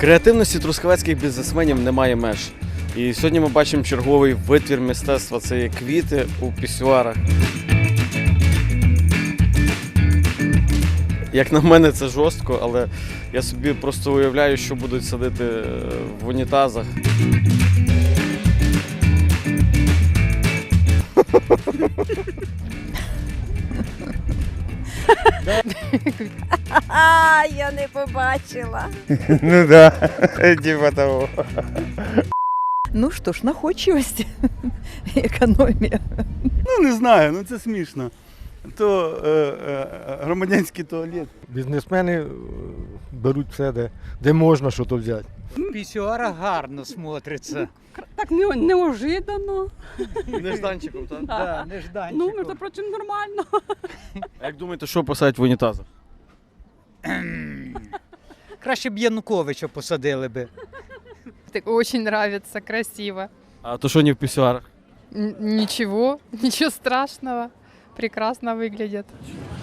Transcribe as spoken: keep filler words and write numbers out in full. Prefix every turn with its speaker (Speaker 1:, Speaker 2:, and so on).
Speaker 1: Креативності трускавецьких бізнесменів немає меж. І сьогодні ми бачимо черговий витвір мистецтва – це є квіти у пісюарах. Як на мене, це жорстко, але я собі просто уявляю, що будуть садити в унітазах.
Speaker 2: А, я не побачила.
Speaker 3: Ну да, типа того.
Speaker 2: Ну що ж, находчивість, економія.
Speaker 4: Ну не знаю, ну це смішно. То е, е, громадянський туалет.
Speaker 5: Бізнесмени е, беруть все, де, де можна щось взяти.
Speaker 6: Пісюара гарно смотриться.
Speaker 7: Так не, неожиданно.
Speaker 1: Нежданчиком, так?
Speaker 6: Да,
Speaker 7: Ну,
Speaker 6: нежданчиком.
Speaker 7: между прочим, нормально.
Speaker 1: А як думаєте, що посадять в унітазах?
Speaker 6: Краще б Януковича посадили би.
Speaker 8: Так очень нравится, красиво.
Speaker 1: А то що не в пісюарах?
Speaker 8: Н- ничего, ничего страшного. Прекрасно выглядит.